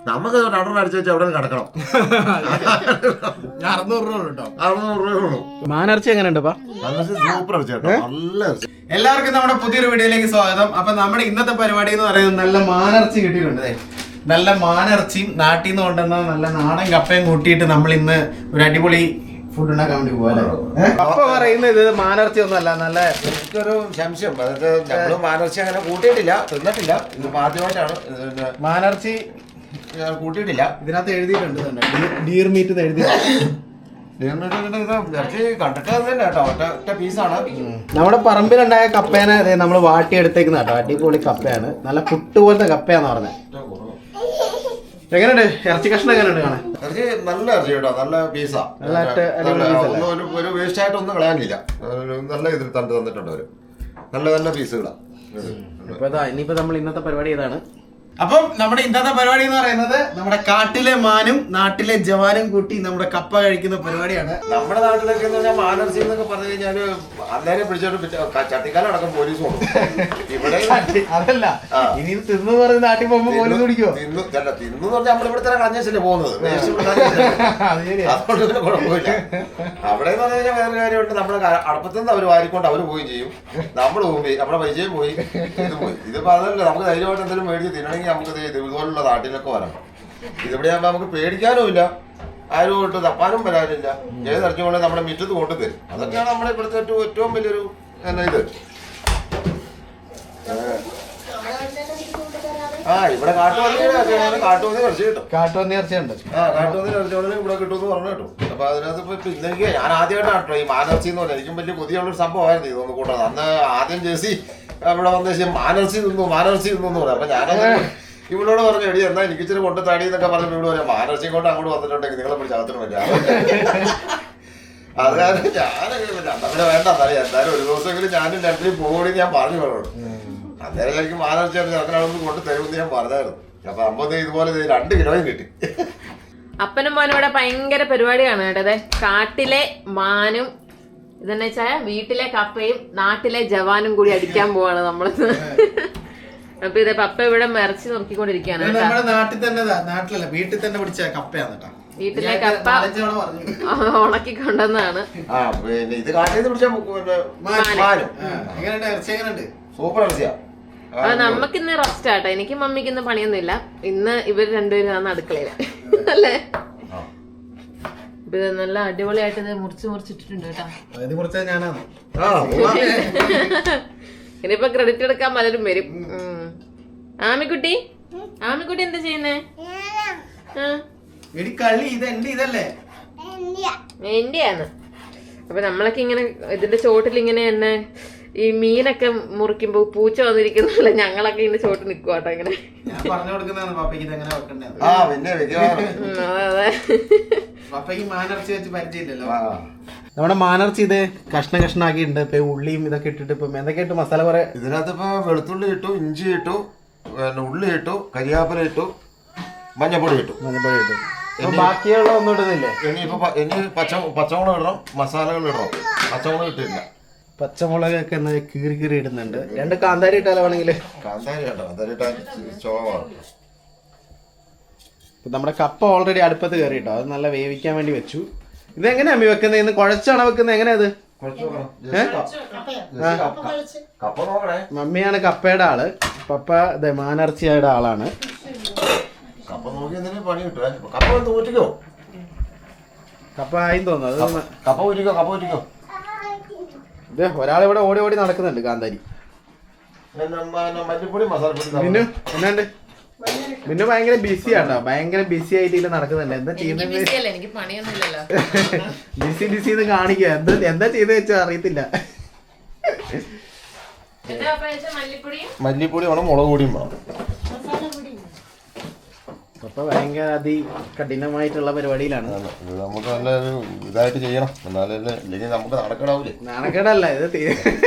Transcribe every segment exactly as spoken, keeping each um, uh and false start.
നമുക്ക് രണ്ടെണ്ണം അടിച്ചു വെച്ചാൽ അവിടെ കിടക്കണം. അറുന്നൂറ് രൂപ കേട്ടോ, അറുന്നൂറ് രൂപ. മാനിറച്ചി എങ്ങനെയുണ്ട്? സൂപ്പർ ഇറച്ചി കേട്ടോ, നല്ല ഇറച്ചി. എല്ലാവർക്കും നമ്മുടെ പുതിയൊരു വീഡിയോയിലേക്ക് സ്വാഗതം. അപ്പൊ നമ്മുടെ ഇന്നത്തെ പരിപാടി എന്ന് പറയുന്നത് നല്ല മാനിറച്ചി കിട്ടിയിട്ടുണ്ട്. നല്ല മാനിറച്ചിയും നാട്ടിൽ നിന്ന് കൊണ്ടുവന്ന നല്ല നാടൻ കപ്പയും കൂട്ടിയിട്ട് നമ്മൾ ഇന്ന് ഒരു അടിപൊളി ഫുഡ് ഉണ്ടാക്കാൻ വേണ്ടി പോകാൻ. അപ്പൊ പറയുന്നത് ഇത് മാനിറച്ചി ഒന്നും അല്ല, നല്ല എനിക്കൊരു സംശയം. അതായത് നമ്മള് മാനിറച്ചി അങ്ങനെ കൂട്ടിയിട്ടില്ല, തിന്നിട്ടില്ല. ഇത് ആദ്യമായിട്ടാണ് മാനിറച്ചി കൂട്ടിയിട്ടില്ല. ഇതിനകത്ത് എഴുതിയിട്ടുണ്ട് ഡീർ മീറ്റ് എഴുതിയിട്ടുണ്ട്. ഇറച്ചി കണ്ടിട്ട് തന്നെ കേട്ടോ, ഒറ്റ ഒറ്റ പീസാണ്. നമ്മുടെ പറമ്പിലുണ്ടായ കപ്പേനെ നമ്മൾ വാട്ടിയെടുത്തേക്കുന്ന കേട്ടോ, അടിപൊളി കപ്പയാണ്. നല്ല പുട്ട് പോലത്തെ കപ്പയാന്ന് പറഞ്ഞത്. എങ്ങനെയുണ്ട് ഇറച്ചി കഷ്ണം? എങ്ങനെയുണ്ട് കാണാൻ? ഇറച്ചി നല്ല ഇറച്ചി കേട്ടോ, നല്ല പീസാ. ഒരു വേസ്റ്റ് ആയിട്ട് ഒന്നും കളയാനില്ല. നല്ല ഇതിൽ തണ്ട് തന്നിട്ടുണ്ട് അവര്. നല്ല നല്ല പീസുകളാണ്. ഇപ്പൊ ഇനിയിപ്പോ നമ്മൾ ഇന്നത്തെ പരിപാടി ഇതാണ്. അപ്പം നമ്മുടെ ഇന്നത്തെ പരിപാടി എന്ന് പറയുന്നത് നമ്മുടെ കാട്ടിലെ മാനും നാട്ടിലെ ജവാനും കൂട്ടി നമ്മുടെ കപ്പ കഴിക്കുന്ന പരിപാടിയാണ്. നമ്മുടെ നാട്ടിലൊക്കെ എന്ന് പറഞ്ഞാൽ മാനർച്ചി എന്നൊക്കെ പറഞ്ഞു കഴിഞ്ഞാല് അന്നേരം പിടിച്ചോട്ട് ചട്ടിക്കാലം അടക്കം പോലീസ് കൊണ്ടു. ഇവിടെ അതല്ല, ഇനി തിന്നു പറഞ്ഞ് നാട്ടിൽ പോകുമ്പോ പോലീസ് പിടിക്കോ? തിന്നു അല്ല, തിന്നു പറഞ്ഞാൽ നമ്മളിവിടെ തന്നെ കളഞ്ഞല്ലേ പോകുന്നത്. അതുകൊണ്ട് കുഴപ്പമില്ല. അവിടെ എന്ന് പറഞ്ഞു കഴിഞ്ഞാൽ വേറെ കാര്യമുണ്ട്. നമ്മുടെ അടുപ്പത്തുനിന്ന് അവർ വാരിക്കൊണ്ട് അവര് പോവുകയും ചെയ്യും, നമ്മൾ പോയി നമ്മുടെ പൈസയും പോയി, ഇത് പോയി. ഇതിപ്പോ അതല്ല, നമുക്ക് ധൈര്യമായിട്ട് എന്തെങ്കിലും മേടിച്ച് തിന്നണമെങ്കിൽ നമുക്ക് ഇതുപോലുള്ള നാട്ടിലൊക്കെ വരണം. ഇതിവിടെ ആകുമ്പോൾ നമുക്ക് പേടിക്കാനും ഇല്ല, ആരും കൊണ്ട് തപ്പാനും വരാനില്ല. ഏത് ഇറച്ചി കൊണ്ട് നമ്മുടെ മിറ്റത്ത് കൊണ്ടു തരും. അതൊക്കെയാണ് നമ്മുടെ ഇവിടുത്തെ ഏറ്റവും ഏറ്റവും വലിയൊരു എന്നാ ഇത്. ആ ഇവിടെ കാട്ടുപന്നിയുടെ കാട്ടുപന്നി ഇറച്ചി കിട്ടും. കാട്ടുപന്നി ഇറച്ചിയുണ്ട്. ആ കാട്ടുപന്നി ഇറച്ചിയോടെ ഇവിടെ കിട്ടുമെന്ന് പറഞ്ഞു കേട്ടോ. അപ്പൊ അതിനകത്ത് ഇപ്പൊ ഇപ്പൊ എനിക്ക് ഞാൻ ആദ്യമായിട്ടാണ് കേട്ടോ ഈ മാനർച്ചി എന്ന് പറഞ്ഞാൽ. എനിക്കും വലിയ പുതിയുള്ളൊരു സംഭവമായിരുന്നു ഇതൊന്ന് കൂട്ടത്. അന്ന് ആദ്യം ജേസി ഇവിടെ വന്ന ശേഷം മാനർച്ചി തിന്നു മാനർച്ചി തിന്നു എന്ന് പറയാം. അപ്പൊ ഞാനത് ഇവളോട് പറഞ്ഞു, എടി എന്നാ എനിക്ക് ഇച്ചിരി കൊണ്ട് തടി എന്നൊക്കെ പറഞ്ഞു. ഇവിടെ പറയാം മാനർച്ചി കൊണ്ട് അങ്ങോട്ട് വന്നിട്ടുണ്ടെങ്കിൽ നിങ്ങളെ പിടിച്ച് അകത്തിന് പറ്റാ. അത് കാരണം ഞാനങ്ങനെ അങ്ങനെ വേണ്ട തടി എന്തായാലും ഒരു ദിവസമെങ്കിലും ഞാനും രണ്ടിനും പോകണി ഞാൻ പറഞ്ഞു വേണോട്. അന്നേരം എനിക്ക് മാനർച്ചി ചെറുക്കനൊന്നും കൊണ്ട് തരുമെന്ന് ഞാൻ പറഞ്ഞായിരുന്നു. അപ്പൊ അമ്പത് ഇതുപോലെ രണ്ട് കിലോയും കിട്ടി. അപ്പനും മോനും ഇവിടെ ഭയങ്കര പരിപാടിയാണ് കേട്ടത്. കാട്ടിലെ മാനും ഇതെന്ന് വെച്ചാൽ വീട്ടിലെ കപ്പയും നാട്ടിലെ ജവാനും കൂടി അടിക്കാൻ പോവാണ് നമ്മള്. അപ്പൊ ഇത് പപ്പ ഇവിടെ മറിച്ച് നോക്കിക്കൊണ്ടിരിക്കുകയാണ്. നമ്മുടെ നാട്ടിൽ തന്നെ, നാട്ടിലല്ല വീട്ടിൽ തന്നെ പിടിച്ച കപ്പയാണ് കേട്ടോ. വീട്ടിലെ കപ്പ ഉണക്കി കൊണ്ടുവന്നാണ്. സൂപ്പർ ഇറച്ചിയാ. അത് നമുക്കിന്ന് റെസ്റ്റ് ആട്ടോ. എനിക്ക് മമ്മിക്ക് ഇന്ന് പണിയൊന്നും ഇല്ല. ഇന്ന് ഇവർ രണ്ടുപേരും ആണ് അടുക്കളയില് അല്ലേ. ഇത് നല്ല അടിപൊളിയായിട്ട് ഇത് മുറിച്ച് മുറിച്ചിട്ടിട്ടുണ്ട് കേട്ടോ. ഇനിയിപ്പൊ ക്രെഡിറ്റ് എടുക്കാൻ പലരും വരും. ആമിക്കുട്ടി ആമിക്കുട്ടി എന്താ ചെയ്യുന്നേ? എന്റെയാണ്. അപ്പൊ നമ്മളൊക്കെ ഇങ്ങനെ ഇതിന്റെ ചോട്ടിൽ ഇങ്ങനെ തന്നെ ഈ മീനൊക്കെ മുറിക്കുമ്പോ പൂച്ച വന്നിരിക്കുന്നല്ല, ഞങ്ങളൊക്കെ ഇതിന്റെ ചോട്ടിൽ നിൽക്കുക കേട്ടോ. ഇങ്ങനെ നമ്മുടെ മാനർച്ചി ഇത് കഷ്ണ കഷ്ണാക്കിയിട്ടുണ്ട്. ഇപ്പൊ ഉള്ളിയും ഇതൊക്കെ ഇട്ടിട്ട് ഇപ്പൊ എന്തൊക്കെ ഇട്ടു മസാല കുറെ. ഇതിനകത്ത് ഇപ്പൊ വെളുത്തുള്ളി ഇട്ടു, ഇഞ്ചി ഇട്ടു, പിന്നെ ഉള്ളി ഇട്ടു, കരിയാപ്പില ഇട്ടു, മഞ്ഞപ്പൊടി ഇട്ടു മഞ്ഞപ്പൊടി ഇട്ടു ബാക്കിയുള്ള ഒന്നും ഇടുന്നില്ലേ? ഇനി ഇപ്പൊ ഇനി പച്ച പച്ചമുളക് ഇടണം, മസാലകൾ ഇടണം. പച്ചമുളക് ഇട്ടില്ല. പച്ചമുളകൊക്കെ ഒന്ന് കീറി കീറി ഇടുന്നുണ്ട്. രണ്ട് കാന്താരി ഇട്ടാലോ വേണമെങ്കിൽ? കാന്താരി കേട്ടോ, കാന്താരി ഇട്ടാൽ ചോവാണ്. നമ്മുടെ കപ്പ ഓൾറെഡി അടുപ്പത്ത് കയറിയിട്ടോ, അത് നല്ല വേവിക്കാൻ വേണ്ടി വെച്ചു. ഇതെങ്ങനെയാ അമ്മി വെക്കുന്നത്? ഇന്ന് കുഴച്ചാണോ വെക്കുന്നത്? എങ്ങനെയാ അത്? മമ്മിയാണ് കപ്പയുടെ ആള്, പപ്പ മാനർച്ചിയുടെ ആളാണ്. കപ്പ നോക്കി എന്തെങ്കിലും പണി കിട്ടും. കപ്പ ഊറ്റിക്കോ, കപ്പ ആയി തോന്നുന്നു. അത് കപ്പ ഊറ്റിക്കോ, കപ്പ ഊറ്റിക്കോ. ഇത് ഒരാളിവിടെ ഓടി ഓടി നടക്കുന്നുണ്ട് കാന്താരി. മല്ലിപ്പൊടി മസാലപ്പൊടി. പിന്നെ എന്നാണ്ട് പിന്നെ ഭയങ്കര ബിസി ആട്ടോ, ഭയങ്കര ബിസി ആയിട്ട് ഇല്ല നടക്കുന്നുണ്ട്. എന്താ ചെയ്യുന്നത്? ബിസി ബിസി എന്ന് കാണിക്കുക. എന്താ എന്താ ചെയ്ത് വെച്ചാ അറിയത്തില്ല. മല്ലിപ്പൊടി വേണം, മുളക് പൊടിയും വേണം. അപ്പൊ ഭയങ്കര അതി കഠിനമായിട്ടുള്ള പരിപാടിയിലാണ്. നമുക്ക് നല്ലൊരു ഇതായിട്ട് ചെയ്യണം, എന്നാലല്ലേ ഇല്ലെങ്കിൽ നമുക്ക് നടക്കണാവൂലേ. നടക്കണല്ല ഇത്.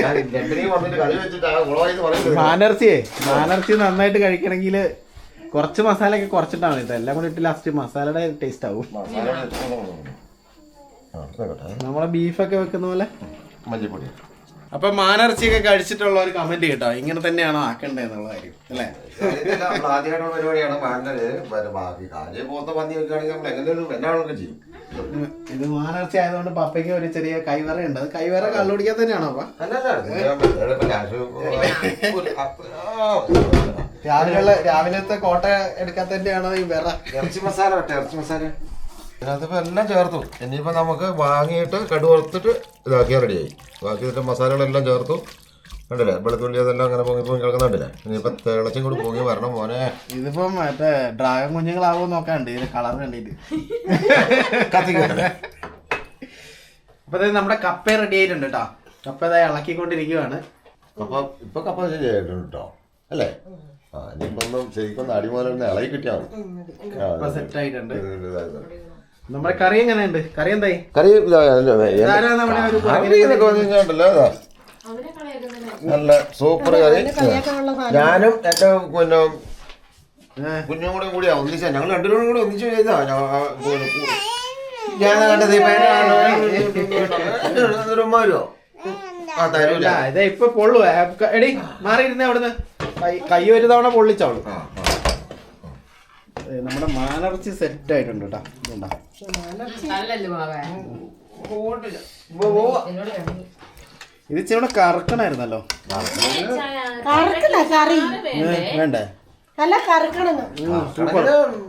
മാനർച്ചിയെ മാനർച്ചി നന്നായിട്ട് കഴിക്കണമെങ്കിൽ കുറച്ച് മസാല ഒക്കെ കുറച്ചിട്ടാണ് മതി. ഇതെല്ലാം കൂടി ഇട്ട് ലാസ്റ്റ് മസാലയുടെ ടേസ്റ്റ് ആവും. മസാല നമ്മളെ ബീഫൊക്കെ വെക്കുന്ന പോലെ മല്ലിപ്പൊടി അപ്പൊ മാനിറച്ചിയൊക്കെ കഴിച്ചിട്ടുള്ള ഒരു കമന്റ് കേട്ടോ, ഇങ്ങനെ തന്നെയാണോ ആക്കണ്ടേ എന്നുള്ള കാര്യം അല്ലേ? ആദ്യമായിട്ടുള്ള പരിപാടിയാണ് മാനര് ബാക്കി കാര്യം പോത്ത പന്നി വെക്കുകയാണെങ്കിൽ നമ്മൾ എങ്ങനെ എന്നാളൊക്കെ ചെയ്യും. ഇത് മാനിറച്ചി ആയതുകൊണ്ട് പപ്പയ്ക്ക് ഒരു ചെറിയ കൈവറ ഉണ്ട്. അത് കൈവറ കള്ളുടിക്കാൻ തന്നെയാണോ അപ്പ? രാവിലെ രാവിലത്തെ കോട്ട എടുക്കാൻ തന്നെയാണോ ഈ വിറ? ഇറച്ചി മസാല കേട്ടോ, ഇറച്ചി മസാല അതിപ്പോ എല്ലാം ചേർത്തു. ഇനിയിപ്പോ നമുക്ക് വാങ്ങിയിട്ട് കടുവറുത്തിട്ട് ഇതാക്കിയാൽ റെഡിയായി. ബാക്കി ഇതിന്റെ മസാലകളെല്ലാം ചേർത്തു. കണ്ടില്ലേ വെളുത്തുള്ളി അതെല്ലാം അങ്ങനെ പൊങ്ങി പൊങ്ങി കിടക്കുന്നുണ്ടല്ലേ. ഇനിയിപ്പോ തിളച്ചും കൂടി പൊങ്ങി വരണം മോനെ. ഇതിപ്പം മറ്റേ ഡ്രാഗൺ കുഞ്ഞുങ്ങളാവോ നോക്കാണ്ട് ഇതിന്റെ കളർ കണ്ടിട്ട് കത്തിക്കണ്ടേ. അപ്പൊ നമ്മുടെ കപ്പ റെഡി ആയിട്ടുണ്ട് കേട്ടോ. കപ്പ ഇതായി ഇളക്കിക്കൊണ്ടിരിക്കുവാണ്. അപ്പൊ ഇപ്പൊ കപ്പ ശരിയായിട്ടുണ്ട് കേട്ടോ അല്ലേ? ആ ഇനിയിപ്പോ ഒന്നും ശരിക്കും അടിമോലെ ഇളകി കിട്ടിയാൽ മതി. സെറ്റ് ആയിട്ടുണ്ട്. നമ്മുടെ കറി എങ്ങനെയുണ്ട്? കറി എന്തായി? കറി ഒരു നല്ല സൂപ്പർ കറി. ഞാനും എന്റെ പിന്നെ കുഞ്ഞും കൂടെ കൂടിയാ ഒന്നിച്ചാ, ഞങ്ങൾ രണ്ടുപേരും കൂടി ഒന്നിച്ചു ചെയ്താ. ഞാൻ കണ്ടത് വരുമോ? ആ തരൂല. ഇതാ ഇപ്പൊ പൊള്ളു. എടി മാറിയിരുന്നേ അവിടുന്ന്. കൈ ഒരു തവണ പൊള്ളിച്ചോളൂ. നമ്മുടെ മാനിറച്ചി സെറ്റ് ആയിട്ടുണ്ട് കേട്ടോ. ഇത് ഇച്ചിരി കറക്കണായിരുന്നല്ലോ. വേണ്ടേ? നല്ല കറക്കണം. സൂപ്പർ.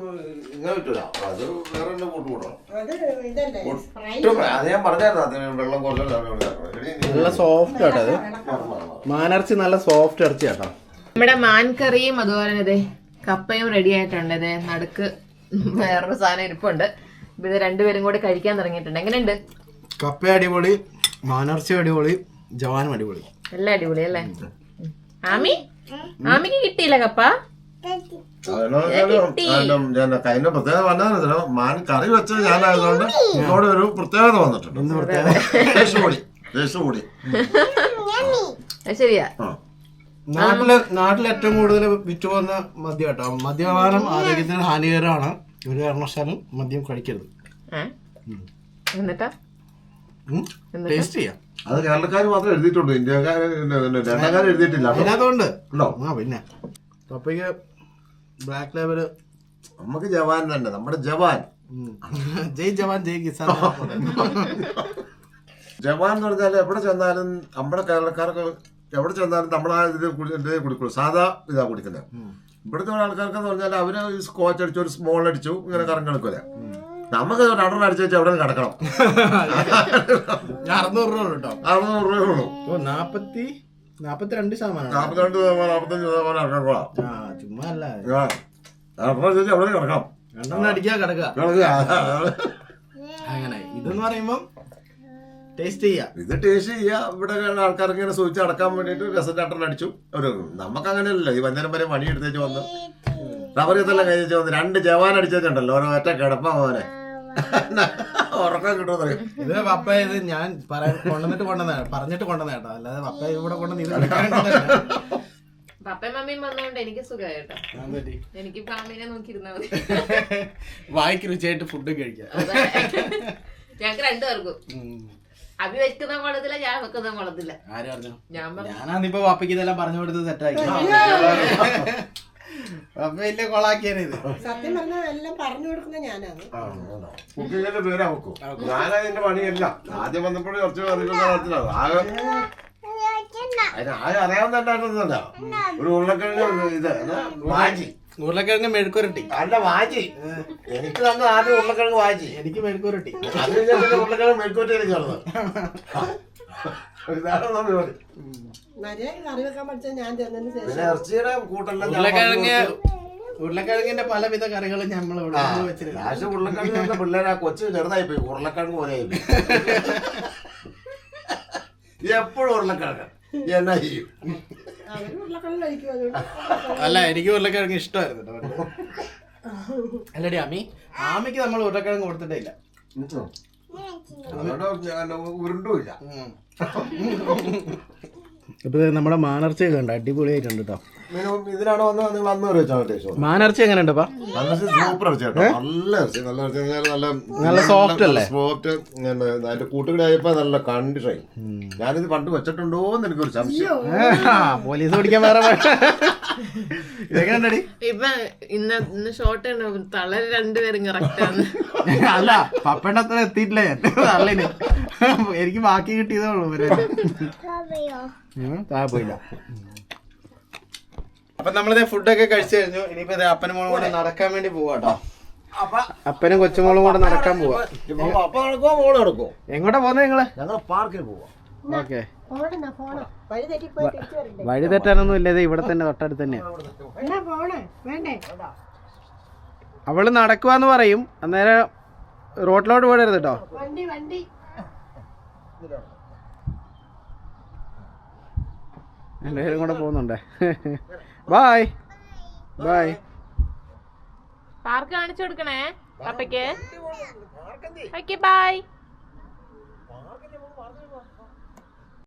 നല്ല സോഫ്റ്റ് ആട്ടോ അത്. മാനിറച്ചി നല്ല സോഫ്റ്റ് ഇറച്ചി ആട്ടോ. നമ്മുടെ മാൻകറിയും അതുപോലെ തന്നെ കപ്പയും റെഡി ആയിട്ടുണ്ട്. ഇത് നടുക്ക് വേറൊരു സാധനം ഇരിപ്പുണ്ട്. ഇത് രണ്ടുപേരും കൂടി കഴിക്കാൻ തുടങ്ങിയിട്ടുണ്ട്. എങ്ങനെയുണ്ട്? കപ്പ അടിപൊളി, മാനിറച്ചി അടിപൊളി, ജവാനും അടിപൊളി, എല്ലാം അടിപൊളി അല്ലേ? ആമി ആമിക്ക് കിട്ടിയില്ല കപ്പ? അതിന്റെ പ്രത്യേകത പറഞ്ഞാൽ മാൻ കറി വെച്ചത് ഞാനായതുകൊണ്ട് ഇവിടെ ഒരു പ്രത്യേകത വന്നിട്ടുണ്ട്. കൂടി ശരിയാ. നാട്ടില് നാട്ടിൽ ഏറ്റവും കൂടുതൽ വിറ്റ് പോകുന്ന മദ്യം കേട്ടോ. മദ്യപാനം ആരോഗ്യത്തിന് ഹാനികരമാണ്. ഒരു കാരണവശാലും മദ്യം കഴിക്കരുത്. എന്നിട്ടാ ടേസ്റ്റ് ചെയ്യാം. അത് കേരളക്കാർ മാത്രമേ എഴുതിയിട്ടുള്ളൂ, ഇന്ത്യക്കാർ രണ്ടാക്കാർ എഴുതിയിട്ടില്ല. അതിനകത്തുണ്ട്. ആ പിന്നെ പപ്പയ്ക്ക് ബ്ലാക്ക് ലേബല്. നമുക്ക് ജവാൻ തന്നെ, നമ്മുടെ ജവാൻ. ജയ് ജവാൻ ജയ് കിസാൻ. ജവാൻ എന്ന് പറഞ്ഞാൽ എവിടെ ചെന്നാലും നമ്മുടെ കേരളക്കാർക്ക് എവിടെ ചെന്നാലും നമ്മളാ ഇതിൽ കുടിക്കുള്ളൂ. സാധാ ഇതാ കുടിക്കുന്നത്. ഇവിടുത്തെ ആൾക്കാർക്കെന്ന് പറഞ്ഞാൽ അവര് സ്കോച്ച് അടിച്ചു, ഒരു സ്മോൾ അടിച്ചു, ഇങ്ങനെ കറങ്ങി കിടക്കൂല. നമുക്ക് രണ്ടെണ്ണം അടിച്ചു വെച്ചാൽ എവിടെ കിടക്കണം. അറുന്നൂറ് രൂപ കേട്ടോ. അറുന്നൂറ് രൂപ ഉള്ളൂ. നാപ്പത്തി നാപ്പത്തിരണ്ട് ശതമാനം നാപ്പത്തിരണ്ട് ശതമാനം നാപ്പത്തഞ്ച് ശതമാനം ഇറങ്ങാം. ചുമ്മാ അല്ല, രണ്ടെണ്ണം ചോദിച്ചാൽ എവിടെ കിടക്കണം. രണ്ടെണ്ണം അടിക്കാ കിടക്കുക. അങ്ങനെ ഇതെന്ന് പറയുമ്പം ടേസ്റ്റ് ചെയ്യാം. ഇത് ടേസ്റ്റ് ചെയ്യാം. ഇവിടെ ആൾക്കാർക്ക് ഇങ്ങനെ സൂചിച്ച് അടക്കാൻ വേണ്ടിട്ട് രസചാട്ടൻ അടിച്ചു. ഒരു നമുക്ക് അങ്ങനെയല്ലല്ലോ. ഈ വൈകുന്നേരം വരെ പണി എടുത്തേച്ച് വന്ന് റബ്ബർ കത്തെല്ലാം കഴിച്ചു വന്ന് രണ്ട് ജവാൻ അടിച്ചിട്ടുണ്ടല്ലോ. ഓരോ ഒറ്റ കിടപ്പാ മോനെ ഉറക്കം കിട്ടുമെന്ന്. ഇത് പപ്പ ഇത് ഞാൻ പറയാൻ കൊണ്ടുവന്നിട്ട് കൊണ്ടുവന്ന പറഞ്ഞിട്ട് കൊണ്ടുവന്ന കേട്ടോ. അല്ലാതെ പപ്പ ഇവിടെ കൊണ്ടുവന്ന് ഇത് പപ്പയും മമ്മിയും വന്നോണ്ട് എനിക്ക് സുഖമായി കേട്ടോ. എനിക്ക് ഫാമിലിനെ നോക്കിയിരുന്നാ മതി. വായിക്ക് രുചിയായിട്ട് ഫുഡ് കഴിക്കാം. ഞങ്ങക്ക് രണ്ടുപേർക്കും. അഭി വെക്കുന്ന കുളത്തില്ല, ഞാൻ വെക്കുന്ന കുളത്തില്ല. ആര് പറഞ്ഞു? ഞാൻ ഞാനാന്നിപ്പോ പപ്പയ്ക്ക് ഇതെല്ലാം പറഞ്ഞു കൊടുത്ത് സെറ്റാക്കി. പപ്പ വലിയ കൊളാക്കിയാണ് ഇത്. സത്യം പറഞ്ഞാൽ എല്ലാം പറഞ്ഞു കൊടുക്കുന്ന ഞാനാണ്. കുക്കിങ്ങിന്റെ പേരാ വെക്കും. ഞാനതിന്റെ പണിയല്ല. ആദ്യം വന്നപ്പോഴും കുറച്ച് അറിയില്ല. ആകെ ആകെ അറിയാവുന്നതല്ല. ഒരു ഉരുളക്കിഴങ്ങ് ഇത് വാജി, ഉരുളക്കിഴങ്ങ് മെഴുക്കുരട്ടി. അല്ല വാജി. എനിക്ക് തന്നെ ആദ്യം ഉരുളക്കിഴങ്ങ് വാജി, എനിക്ക് മെഴുക്കുരട്ടി. അതിന് ഉരുളക്കിഴങ്ങ് മെഴുക്കുരട്ടി എനിക്ക് ഉള്ളത്. കറി വെക്കാൻ പഠിച്ചാൽ ഞാൻ തന്നതിന് ശേഷം പിന്നെ ഇറച്ചിയുടെ കൂട്ടെല്ലാം ഉരുളക്കിഴങ്ങ് ഉരുളക്കിഴങ്ങിന്റെ പലവിധ കറികളും നമ്മൾ ഇവിടെ വെച്ചിട്ടുണ്ട്. ലാസ്റ്റ് ഉരുളക്കിഴങ്ങ് പിള്ളേരാ കൊച്ചു ചെറുതായി പോയി, ഉരുളക്കിഴങ്ങ് പോലെ ആയി പോയി. എപ്പോഴും ഉരുളക്കിഴങ്ങ് എന്നാ ചെയ്യും? അവര് ഉരുളക്കിഴങ്ങ് കഴിക്കും. അല്ല, എനിക്ക് ഉരുളക്കിഴങ്ങ് ഇഷ്ടമായിരുന്നു കേട്ടോ. അല്ലടി ആമി, ആമിക്ക് നമ്മൾ ഉരുളക്കിഴങ്ങ് കൊടുത്തിട്ടേ ഇല്ല. ഉരുണ്ടുമില്ല. ഇപ്പൊ നമ്മുടെ മാനർച്ചയൊക്കെ ഉണ്ട്, അടിപൊളിയായിട്ടുണ്ട് കേട്ടോ. മിനിമം ഇതിനാണ് വന്നത് നിങ്ങൾ അന്ന് വരെ വെച്ചാൽ ടേസ്റ്റ് മാനിറച്ചി എങ്ങനെ ഉണ്ട് നല്ല സൂപ്പർ ഇറച്ചി കേട്ടോ. നല്ല ഇറച്ചി നല്ല ഇറച്ചി എന്ന് പറഞ്ഞാൽ നല്ല നല്ല soft അല്ലേ? സോഫ്റ്റ്. അതിന്റെ കൂട്ടുകൂടി ആയപ്പോ നല്ല കണ്ടിഷായി. ഞാനിത് പണ്ട് വെച്ചിട്ടുണ്ടോ എന്ന് എനിക്കൊരു സംശയം. പോലീസ് പിടിക്കാൻ വേറെ ഇതെങ്ങനെ ഇപ്പൊ ഇന്ന് ഇന്ന് ഷോർട്ട് തളര് രണ്ടുപേരും കറക്റ്റ് ആണ്. അല്ല പപ്പയുടെ അത്ര എത്തിയിട്ടില്ല ഞാൻ തള്ളിന്. എനിക്ക് ബാക്കി കിട്ടിയതേ ഉള്ളൂ. പോയില്ല. അപ്പൊ നമ്മളിത് ഫുഡൊക്കെ കഴിച്ചു കഴിഞ്ഞു. ഇനിയിപ്പോ ഇത് അപ്പനും മോളും കൂടെ നടക്കാൻ വേണ്ടി പോവാട്ടോ. അപ്പനും കൊച്ചുമോളും കൂടെ നടക്കാൻ പോവാ. അപ്പൊ നടക്കുവോ മോള് നടക്കുവോ? എങ്ങോട്ടാ പോകുന്നത് നിങ്ങള്? ഞങ്ങൾ പാർക്കിൽ പോവാ. ഓക്കെ. പോണെന്നാ പോണം. വഴി തെറ്റിപ്പോയി തിരിച്ചു വരണ്ടേ? വഴി തെറ്റാനൊന്നും ഇല്ല, ഇത് ഇവിടെ തന്നെ തൊട്ടടുത്ത് തന്നെയാ. എന്നാ പോണേ വേണ്ടേ? അവള് നടക്കുവാന്ന് പറയും, അന്നേരം റോഡിലോട്ട് പോടരുത് കേട്ടോ. വണ്ടി വണ്ടി രണ്ടുപേരും കൂടെ പോകുന്നുണ്ടേ. Bye bye. പാർക്ക് കാണിച്ചു കൊടുക്കണേ പപ്പയ്ക്ക്. Okay by.